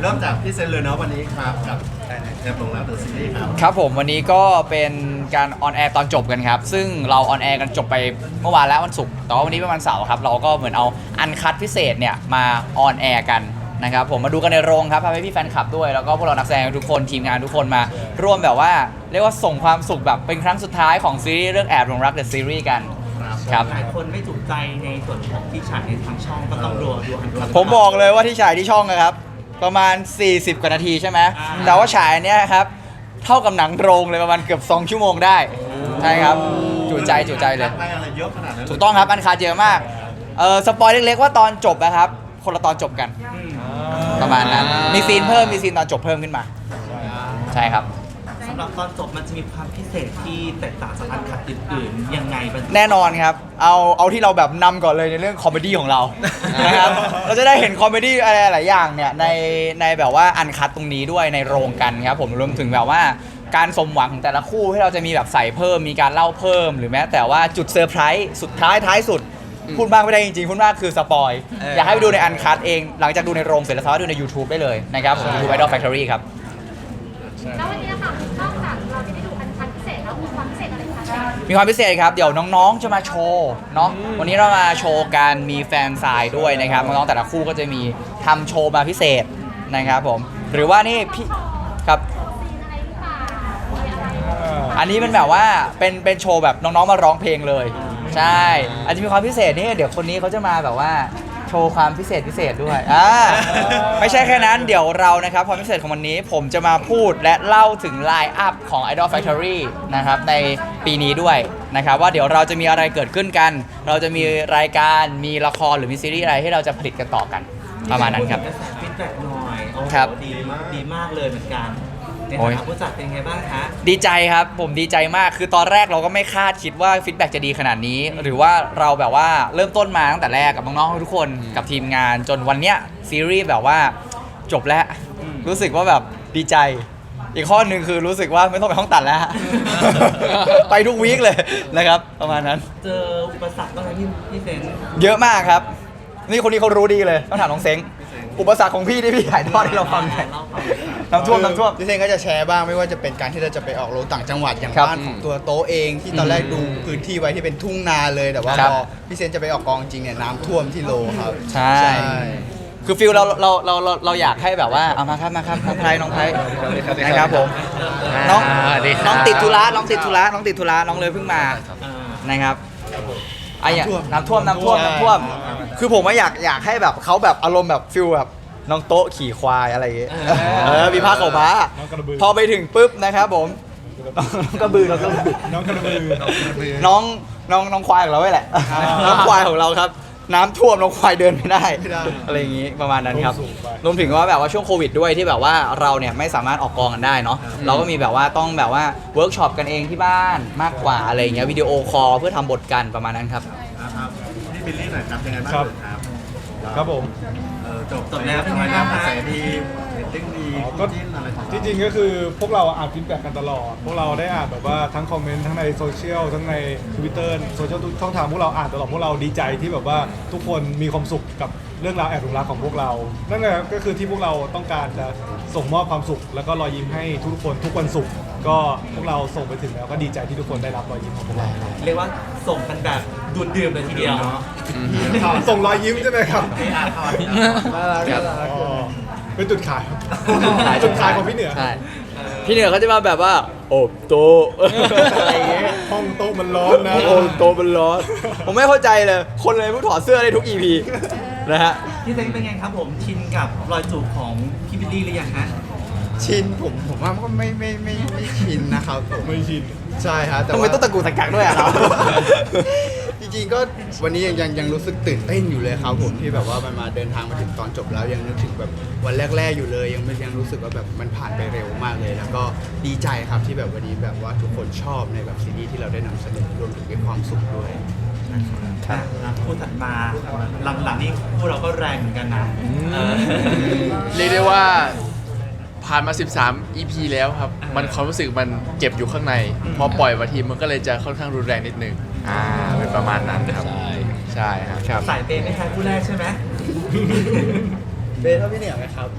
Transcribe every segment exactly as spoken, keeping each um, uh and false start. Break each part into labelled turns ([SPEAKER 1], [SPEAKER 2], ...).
[SPEAKER 1] ริ่มจากพี่เซนเลยเนาะวันนี้ครับกับแอบหลงรักเดอะซีรีส์ครับ
[SPEAKER 2] ครับผมวันนี้ก็เป็นการออนแอร์ตอนจบกันครับซึ่งเราออนแอร์กันจบไปเมื่อวานแล้ววันศุกร์แต่ว่าวันนี้เป็นวันเสาร์ครับเราก็เหมือนเอาอันคัดพิเศษเนี่ยมาออนแอร์กันนะครับผมมาดูกันในโรงครับพาพี่แฟนคลับด้วยแล้วก็พวกเรานักแสดงทุกคนทีมงานทุกคนมาร่วมแบบว่าเรียกว่าส่งความสุขแบบเป็นครั้งสุดท้ายของซีรีส์เรื่องแอบหลงรักเดอะซีรีส์กันครับ
[SPEAKER 3] หลายคนไม่ถูกใจในส่วนของที่ฉายในทางช่องก็ต้องรอดูอันคัด
[SPEAKER 2] ผมบอกเลยว่าที่ฉายที่ช่องนะครับประมาณสี่สิบกว่านาทีใช่ไหม
[SPEAKER 3] อ่า
[SPEAKER 2] แต่ว่าฉายเนี่ยครับเท่ากับหนังโรงเลยประมาณเกือบสองชั่วโมงได้ใช่ครับจุใจจุใจเลย
[SPEAKER 1] ไปอะไรเยอะขนาดนั้น
[SPEAKER 2] ถูกต้องครับอันคาเยอะมากเออสปอยเล็กๆว่าตอนจบนะครับคนละตอนจบกัน
[SPEAKER 3] อืม
[SPEAKER 2] ประมาณนั้นมีซีนเพิ่มมีซีนตอนจบเพิ่มขึ้นมาใช่ครับ
[SPEAKER 3] สำหรับตอนจบมันจะมีความพิเศษที่แตกต่างจากอันคัดอื่นๆยังไงบ้าง
[SPEAKER 2] แน่นอนครับเอาเอาที่เราแบบนำก่อนเลยในเรื่องคอมเมดี้ของเรานะครับเราจะได้เห็นคอมเมดี้อะไรหลายอย่างเนี่ยในในแบบว่าอันคัดตรงนี้ด้วยในโรงกันครับผมรวมถึงแบบว่าการสมหวังของแต่ละคู่ที่เราจะมีแบบใส่เพิ่มมีการเล่าเพิ่มหรือแม้แต่ว่าจุดเซอร์ไพรส์สุดท้ายท้ายสุดพูดมากไม่ได้จริงๆพูดมากคือสปอยอยากให้ไปดูในอันคัดเองหลังจากดูในโรงเสร็จแล้วสามารถดูใน YouTube ได้เลยนะครับผม YouTube Idol Factory ครับ
[SPEAKER 4] แล้ววันนี้นะคะนอกจากเราจะได้ดูอันคัดพิเศษแล้วมีความพิเศษอะไรคะ
[SPEAKER 2] มีความพิเศษครับเดี๋ยวน้องๆจะมาโชว์เนาะวันนี้เรามาโชว์การมีแฟนซายด้วยนะครับน้องๆแต่ละคู่ก็จะมีทำโชว์มาพิเศษนะครับผมหรือว่านี่พี่ครับ
[SPEAKER 4] ซีนอะไรหรือเปล่ามีอะไร
[SPEAKER 2] อันนี้เป็นแบบว่าเป็นเป็นโชว์แบบน้องๆมาร้องเพลงเลยใช่อาจจะมีความพิเศษนี่เดี๋ยวคนนี้เขาจะมาแบบว่าโชว์ความพิเศษพิเศษด้วยอ่าไม่ใช่แค่นั้นเดี๋ยวเรานะครับความพิเศษของวันนี้ผมจะมาพูดและเล่าถึงไลน์อัพของ Idol Factory นะครับในปีนี้ด้วยนะครับว่าเดี๋ยวเราจะมีอะไรเกิดขึ้นกัน เราจะมีรายการมีละครหรือมีซีรีส์อะไรที่เราจะผลิตกันต่อกันประมาณนั้นครับ
[SPEAKER 3] กระแสฟีดแบ็กหน่อยโอ้โห
[SPEAKER 2] ครับ
[SPEAKER 3] ดีมากดีมากเลยเหมือนกันใน
[SPEAKER 2] โอ้
[SPEAKER 3] ฐาย นะผู้จัดเป็นไงบ้างคะ
[SPEAKER 2] ดีใจครับผมดีใจมากคือตอนแรกเราก็ไม่คาดคิดว่าฟีดแบ็กจะดีขนาดนี้ หรือว่าเราแบบว่าเริ่มต้นมาตั้งแต่แรกกับน้องๆทุกคนกับทีมงานจนวันเนี้ยซีรีส์แบบว่าจบแล้ว รู้สึกว่าแบบดีใจ อีกข้อหนึ่งคือรู้สึกว่าไม่ต้องไปห้องตัดแล้ว ไปทุกวีคเลยนะครับประมาณนั้น
[SPEAKER 3] เจออุปสรรคบ้างไหมพี่พี่เซน
[SPEAKER 2] เยอะมากครับ นี่คนนี้เขารู้ดีเลยต้องถามน้องเซ้งอุปสรรคของพี่ที่พี่ถ่ายทอดให้เราฟังหน่อย
[SPEAKER 3] เล่าฟัง
[SPEAKER 2] น้ำท่วมน้ำท่วม
[SPEAKER 5] พี่เซนก็จะแชร์บ้างไม่ว่าจะเป็นการที่เราจะไปออกโรงต่างจังหวัดอย่าง
[SPEAKER 2] ครับ
[SPEAKER 5] บ้านของตัวโต๊ะเองที่ตอนแรกดูพื้นที่ไว้ที่เป็นทุ่งนาเลยแต่ว่า
[SPEAKER 2] ครับ
[SPEAKER 5] พอพี่เซนจะไปออกกองจริงเนี่ยน้ำท่วมที่โลครับ
[SPEAKER 2] ใช่ คือฟิลเราเราเราเราเราอยากให้แบบว่าเอามาครับมาครับน้องไพรน้องไพรนะครับผมน้องน้องติดธุระน้องติดธุระน้องติดธุระน้องเลยเพิ่งมา
[SPEAKER 3] อ่า
[SPEAKER 2] นะครับไอ้เนี่ยน้ำท่วมน้ำท่วมน้ำท่วม คือผมว่าอยากอยากให้แบบเขาแบบอารมณ์แบบฟิลแบบน้องโต๊ะขี่ควายอะไรอย่างเงี้ยเออมีผ้าขาวม้าพอไปถึงปุ๊บนะครับผมน้องกระบือน้องกระบือ
[SPEAKER 6] น้องกระบือ
[SPEAKER 2] น้องน้องน้องควายของเราไว้แหละ น้องควายของเราครับ น้ำท่วมน้องควายเดินไม่ได้ อะไรอย่างงี้ประมาณนั้นครับรวมถึงว่าแบบว่าช่วงโควิดด้วยที่แบบว่าเราเนี่ยไม่สามารถออกกองกันได้เนาะเราก็มีแบบว่าต้องแบบว่าเวิร์กช็อปกันเองที่บ้านมากกว่าอะไรอย่างเงี้ยวิดีโอคอลเพื่อทำบทกันประมาณนั้นครับ
[SPEAKER 1] นะครับพี่บิลลี่หน่อยครับยังไงบ้าง
[SPEAKER 6] ครับ
[SPEAKER 1] ครับ
[SPEAKER 6] ครับผม
[SPEAKER 1] เออจบจบแล้วเป็นไงบ้างกระแสดีเรตติ้งดี
[SPEAKER 6] อ๋อก็
[SPEAKER 1] จิ้นอะไรของเรา
[SPEAKER 6] ที่จริงก็คือพวกเราอ่านฟีดแบ็กกันตลอด พวกเราได้อ่านแบบว่าทั้งคอมเมนต์ทั้งในโซเชียลทั้งใน Twitter โซเชียลทุกช่องทางพวกเราอ่านตลอดพวกเราดีใจที่แบบว่าทุกคนมีความสุขกับเรื่องราวแอบหลงรักของพวกเรา นั่นแหละก็คือที่พวกเราต้องการจะส่งมอบความสุข แล้วก็รอยยิ้มให้ทุกคนทุกวันศุกร์ก็พวกเราส่งไปถึงแล้วก็ดีใจที่ทุกคนได้รับรอยยิ้มของพวกเรา
[SPEAKER 3] เรียกว่าส่งกันแบบดูดดื่มเลยทีเดียว
[SPEAKER 6] ส่งรอยยิ้มใช่ไหมครับ
[SPEAKER 1] ไม่อ่านข่าวที่
[SPEAKER 5] น่ารักน่ารัก
[SPEAKER 6] อ๋อเป็นจุดขายครับจุดขายของพี่เหนือ
[SPEAKER 2] ใช่พี่เหนือเขาจะมาแบบว่า โอบโตะอะไรอย่างเงี้ย
[SPEAKER 6] ห้องโต๊ะมันร้อนนะ
[SPEAKER 2] โอบโตะมันร้อนผมไม่เข้าใจเลย คนเลยผู้ถอดเสื้อได้ทุก อี พี นะฮะ
[SPEAKER 3] พี่เซนเป็นไงครับผมชินกับรอยจูบของพี่บิลลี่หรือยังฮะ
[SPEAKER 5] ชินผมผมว่าก็ไม่ไม่ไม่ไม่ชินนะครับผม
[SPEAKER 6] ไม่ชิน
[SPEAKER 5] ใช่ครับแต่
[SPEAKER 2] ทำไม
[SPEAKER 5] ว่า
[SPEAKER 2] ต้องตะกูตะกักด้วยอ่ะเรา
[SPEAKER 5] จริงๆก็วันนี้ยังยังยังรู้สึกตื่นเต้นอยู่เลยครับผมที่แบบว่ามันมาเดินทางมาถึงตอนจบแล้วยังนึกถึงแบบวันแรกๆอยู่เลย ยังไม่ยังรู้สึกว่าแบบมันผ่านไปเร็วมากเลย แล้วก็ดีใจครับที่แบบวันนี้แบบว่าทุกคนชอบในแบบซีรีส์ที่เราได้นำเสนอรวมถึงมีความสุขด้วยนะครับ
[SPEAKER 3] อ่ะคู่ถัดมาหลังๆนี่คู่เราก็แรงเหมือนกันนะเออ
[SPEAKER 7] เรียกได้ว่าผ่านมา สิบสาม อี พี แล้วครับ
[SPEAKER 3] อ่ามั
[SPEAKER 7] มันความรู้สึกมันเก็บอยู่ข้างใน พอปล่อยมาทีมันก็เลยจะค่อนข้างรุนแรงนิดนึง อ่า เป็นประมาณนั้นครับ ใช่ ใช่ครับ
[SPEAKER 3] สายเปย์ไม่แพ้คู่แรกใช่ไหม
[SPEAKER 5] เบสเท่าพี่เหนียวไหมครับ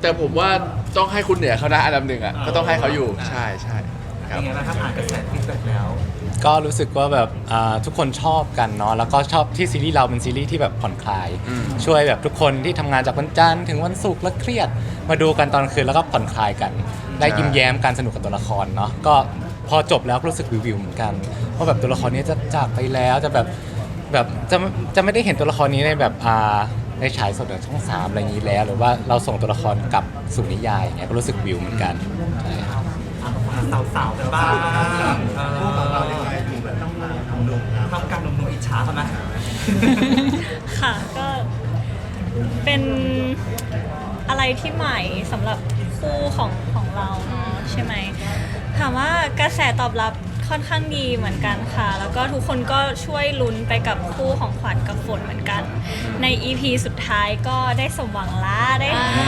[SPEAKER 7] แต่ผมว่าต้องให้คุณเหนือเขานะอันดับหนึ่งอ่ะก็ต้องให้เขาอยู่ใช่ใช่ครับ
[SPEAKER 3] เป็นไงบ้างครับอ่านกระแสฟีดแบ็กแล้ว
[SPEAKER 8] ก็รู้สึกว่าแบบอ่าทุกคนชอบกันเนาะแล้วก็ชอบที่ซีรีส์เราเป็นซีรีส์ที่แบบผ่อนคลาย
[SPEAKER 7] อืม
[SPEAKER 8] ช่วยแบบทุกคนที่ทำงานจากวันจันทร์ถึงวันศุกร์แล้วเครียด มาดูกันตอนคืนแล้วก็ผ่อนคลายกัน ได้ยิ้มแย้มการสนุกกับตัวละครเนาะก็พอจบแล้วก็รู้สึกวิววิวเหมือนกันว่าแบบตัวละครนี้จะจากไปแล้วจะแบบแบบจะจะไม่ได้เห็นตัวละครนี้ในแบบอ่าในฉายสดในช่องสามอะไรอย่างนี้แล้ว หรือว่าเราส่งตัวละครกลับสู่นิยายอย่างเงี้ยก็รู้สึกวิวเหมือนกันใช่ครับ
[SPEAKER 3] สาวๆกันบ้างเอ
[SPEAKER 1] คู่ของเรา
[SPEAKER 3] อ
[SPEAKER 1] ยังไงดูแบบต้องมาทำดุครับ
[SPEAKER 3] ทำการหนุ่มๆอิจฉาเขาไหม
[SPEAKER 9] ค่ะก็เป็นอะไรที่ใหม่สำหรับคู่ของของเราเนาะใช่ไหมถามว่ากระแสตอบรับค่อนข้างดีเหมือนกันค่ะ แล้วก็ทุกคนก็ช่วยลุ้นไปกับคู่ของขวัญกับฝนเหมือนกัน ใน อี พี สุดท้ายก็ได้สมหวังละได้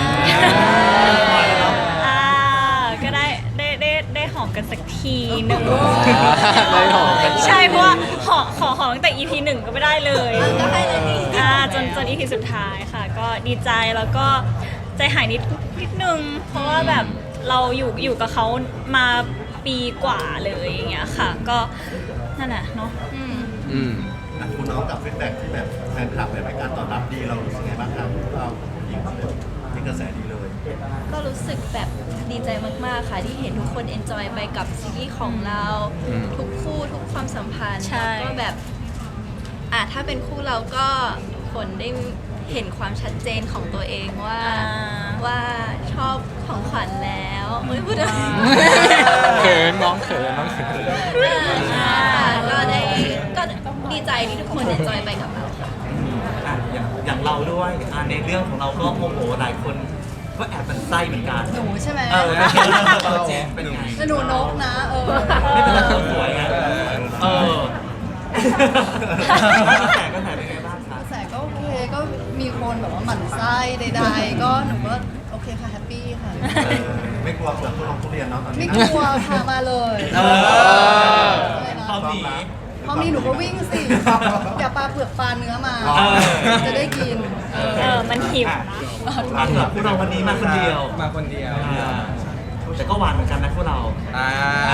[SPEAKER 9] อ่าก็ได้ได้ได้ได้หอมกันสักทีหนึ่ง
[SPEAKER 8] ได้หอมกัน
[SPEAKER 9] ใช่เพราะว่าหอขอหอมตั้งแต่ อี พี หนึ่งก็ไม่ได้เลยก็ให้เลยอ่าจนจน อี พี สุดท้ายค่ะ ก็ดีใจแล้วก็ใจหายนิดนิดนึง เพราะว่าแบบเราอยู่อยู่กับเขามาปีกว่าเลยอย่างเงี้ยค่ะ ก็นั่นแหละเนาะ
[SPEAKER 7] อืม
[SPEAKER 1] อ่ะคุณน้องกับฟีดแบ็กที่แบบแฟนคลับแบบให้การตอบรับดีเรารู้สึกไงบ้างครับเราหญิงที่กระแสดีเลย
[SPEAKER 10] ก็รู้สึกแบบดีใจมากๆค่ะที่เห็นทุกคนเอนจอยไปกับซีรีส์ของเรา
[SPEAKER 7] อืม
[SPEAKER 10] ทุกคู่ทุกความสัมพันธ์
[SPEAKER 9] ใช่
[SPEAKER 10] แล้วก็แบบอ่ะถ้าเป็นคู่เราก็ฝนได้เห็นความชัดเจนของตัวเองว่า
[SPEAKER 9] อ่า
[SPEAKER 10] ว่าชอบของขวัญแล้วเอ้ยพูดอะไร
[SPEAKER 8] เขินน้องเขินน้องเขิน
[SPEAKER 10] อ่าก็ได้ก็ดีใจที่ทุกคนเอนจอยไปกับเราค่ะ
[SPEAKER 3] อ่ะอย่างอย่างเราด้วยอ่ะในเรื่องของเราก็โอ้โหหลายคนก็แอบมันไส้เหมือนกัน
[SPEAKER 11] หนูใช่ไหม
[SPEAKER 3] เออไม่ใช่เรื่องโปรเจกต์เป็นไง
[SPEAKER 11] แล้วหนูนกนะ เออ
[SPEAKER 3] ไม่เป็นไรคนสวยไงเออ กระแสกระแสเป็นไงบ้างคะ
[SPEAKER 11] กระแสก็โอเค ก็มีคนแบบว่าหมั่นไส้ใดๆ ก็หนูก็โอเคค่ะ แฮปปี้ค่ะ
[SPEAKER 1] เออไม่กลัวเปลือกทุเรียนทุเรียนเนาะตอน
[SPEAKER 11] ไม่
[SPEAKER 1] นี้
[SPEAKER 11] กลัวพามาเลย
[SPEAKER 3] เออ
[SPEAKER 11] อะไรนะ
[SPEAKER 3] พร้อมหนี
[SPEAKER 11] พอมีหนูก็วิ่งสิ อย่าปลาเปลือกปลาเนื้อมา
[SPEAKER 3] เออ
[SPEAKER 11] จะได้กิน
[SPEAKER 9] เออมันหิวนะ
[SPEAKER 3] อ่ะสำหรับพวกเราวันนี้มาคนเดียว
[SPEAKER 5] มาคนเดียว
[SPEAKER 3] อ่าแต่ก็หวานเหมือนกันนะพวกเรา
[SPEAKER 5] อ่า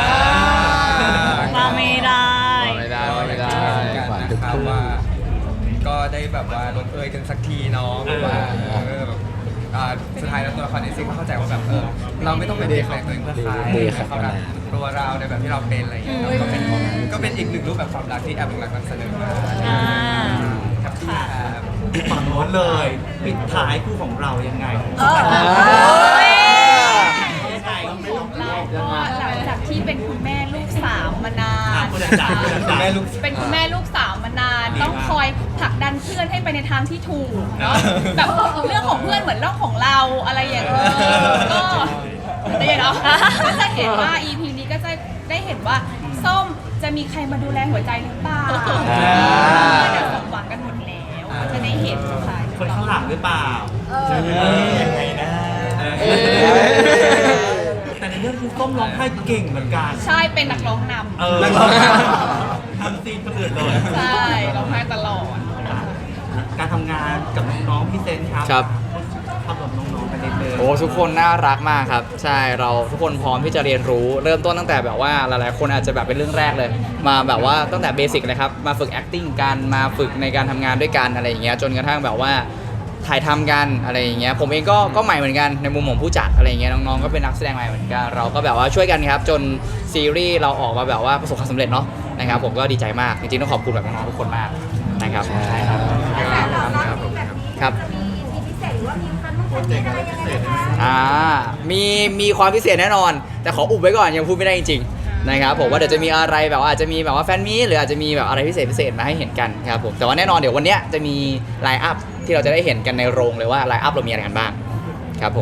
[SPEAKER 9] มาไม่ได้
[SPEAKER 7] ไม่ได้ไม่ได้
[SPEAKER 8] หวานทุกคู่
[SPEAKER 5] ว่าก็ได้แบบว่าลงเอยกันสักทีเนาะแบบว่าเออแบบอ่าสุดท้ายแล้วตัวละครในซีรีส์ก็เข้าใจว่าแบบเออเราไม่ต้องไปเปลี่ยนแปลงตัวเองเพื่อใคร
[SPEAKER 8] ดีครับ
[SPEAKER 5] เขารักตัวเราในแบบที่เราเป็นอะไรอย่างเงี้ยครับก็เป็นก็เป็นอีกหนึ่งรูปแบบความรักที่แอบหลงรักนำเสนอมา
[SPEAKER 9] อ่า
[SPEAKER 5] ครับพี่ครับ
[SPEAKER 3] ฝั่งโน้นเลย ปิดท้ายคู่ของเรายังไง
[SPEAKER 9] โอ้ย
[SPEAKER 3] ยังไง
[SPEAKER 11] ก็หลังจากที่เป็นคุณแม่ลูกสามมานาน
[SPEAKER 3] อ่ะคุณอาจารย์คุณอาจารย์
[SPEAKER 5] แม่ลูก
[SPEAKER 11] เป็นคุณแม่ลูกสาวมานาน ต้องคอยผลักดันเพื่อนให้ไปในทางที่ถูกเนาะแบบเรื่องของเพื่อนเหมือนเรื่องของเราอะไรอย่างเงี้ยก็แต่อย่างเนาะก็จะเห็นว่า อี พี นี้ก็จะได้เห็นว่าส้มจะมีใครมาดูแลหัวใจหรือเปล่า
[SPEAKER 8] อ่า
[SPEAKER 11] เดี๋ยวสมหวังกันหมดแล้วก็จะได้เห็นค่ะ
[SPEAKER 3] คนข้างหลังหรือเปล่า
[SPEAKER 11] เออ
[SPEAKER 3] ยังไงนะ
[SPEAKER 7] เอ้ย
[SPEAKER 3] แต่ในเรื่องคือส้มร้องไห้เก่งเหมือนกัน
[SPEAKER 11] ใช่เป็นนักร้องนำ
[SPEAKER 3] เออทำซีนคนอื่นเลย
[SPEAKER 11] ใช่ร้องไห้ตลอด
[SPEAKER 3] การทำงานกับน้องๆพี่เซนครับ
[SPEAKER 2] ครับ
[SPEAKER 3] ทำกับน้องๆไปเรื่อยๆ
[SPEAKER 2] โอ้ทุกคนน่ารักมากครับ ใช่เราทุกคนพร้อมที่จะเรียนรู้ เริ่มต้นตั้งแต่แบบว่าหลายๆคนอาจจะแบบเป็นเรื่องแรกเลย มาแบบว่าตั้งแต่เบสิกเลยครับมาฝึก acting กันมาฝึกในการทำงานด้วยกันอะไรอย่างเงี้ยจนกระทั่งแบบว่าถ่ายทำกันอะไรอย่างเงี้ยผมเองก็ก็ใหม่เหมือนกันในมุมของผู้จัดอะไรอย่างเงี้ยน้องๆก็เป็นนักแสดงใหม่เหมือนกันเราก็แบบว่าช่วยกันครับจนซีรีส์เราออกมาแบบว่าประสบความสำเร็จเนาะนะครับผมก็ดีใจมากจริงๆต้องขอบคุณแบบน้องๆทุกคนมากนะครับใช่ครับครับ
[SPEAKER 4] มีมีพิเศษหรือว่ามีคันต้องคันอะไรยังไงคะ
[SPEAKER 2] อ่า มี มีความพิเศษแน่นอน แต่ขออุบไว้ก่อนยังพูดไม่ได้จริงๆนะครับผมว่าเดี๋ยวจะมีอะไรแบบว่าอาจจะมีแบบว่าแฟนมีตหรืออาจจะมีแบบอะไรพิเศษพิเศษมาให้เห็นกันครับผม แต่ว่าแน่นอนเดี๋ยววันเนี้ยจะมีไลน์อัพที่เราจะได้เห็นกันในโรงเลยว่าไลน์อัพเรามีอะไรกันบ้างครับผม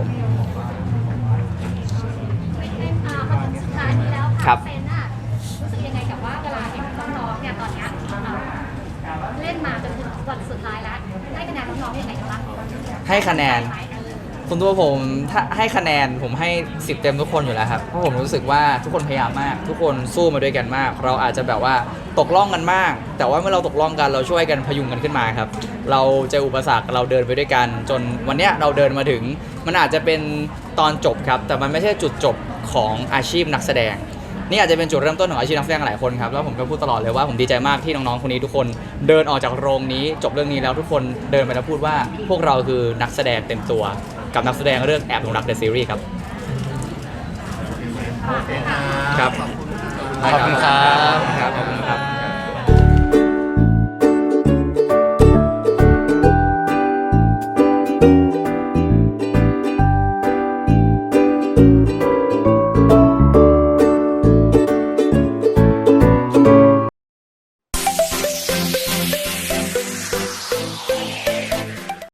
[SPEAKER 4] อ่ามาถึงสุดท้ายนี้แล้ว
[SPEAKER 2] ครั
[SPEAKER 4] ค่ะ
[SPEAKER 2] บ
[SPEAKER 4] เซนน่ะรู้สึกยังไงกับว่าเวลาเห็นน้องๆเนี่ยตอนเนี้ยเอ่อเล่นมาจนถึงวันสุดท้ายแล้วให้คะแนนน้องๆยังไงบ้าง
[SPEAKER 2] ให้คะแนน
[SPEAKER 4] ไหม
[SPEAKER 2] ผส่วนตัวผมถ้าให้คะแนนผมให้สิบเต็มทุกคนอยู่แล้วครับเพราะผมรู้สึกว่าทุกคนพยายามมาก ทุกคนสู้มาด้วยกันมาก เราอาจจะแบบว่าตกล่องกันมาก แต่ว่าเมื่อเราตกล่องกันเราช่วยกันพยุงกันขึ้นมาครับเราเจออุปสรรคเราเดินไปด้วยกัน จนวันเนี้ยเราเดินมาถึงมันอาจจะเป็นตอนจบครับแต่มันไม่ใช่จุดจบของอาชีพนักแสดงนี่อาจจะเป็นจุดเริ่มต้นของอาชีพนักแสดงหลายคนครับแล้วผมก็พูดตลอดเลยว่าผมดีใจมากที่น้องๆคนนี้ทุกคนเดินออกจากโรงนี้จบเรื่องนี้แล้วทุกคนเดินไปแล้วพูดว่าพวกเราคือนักแสดงเต็มตัวกับนักแสดงเรื่องแอบหลงรักเดอะซีรีส์ครับ
[SPEAKER 1] โอเคครับ
[SPEAKER 2] ครับ
[SPEAKER 8] ขอบคุณครับ
[SPEAKER 2] ครับขอบคุณครับ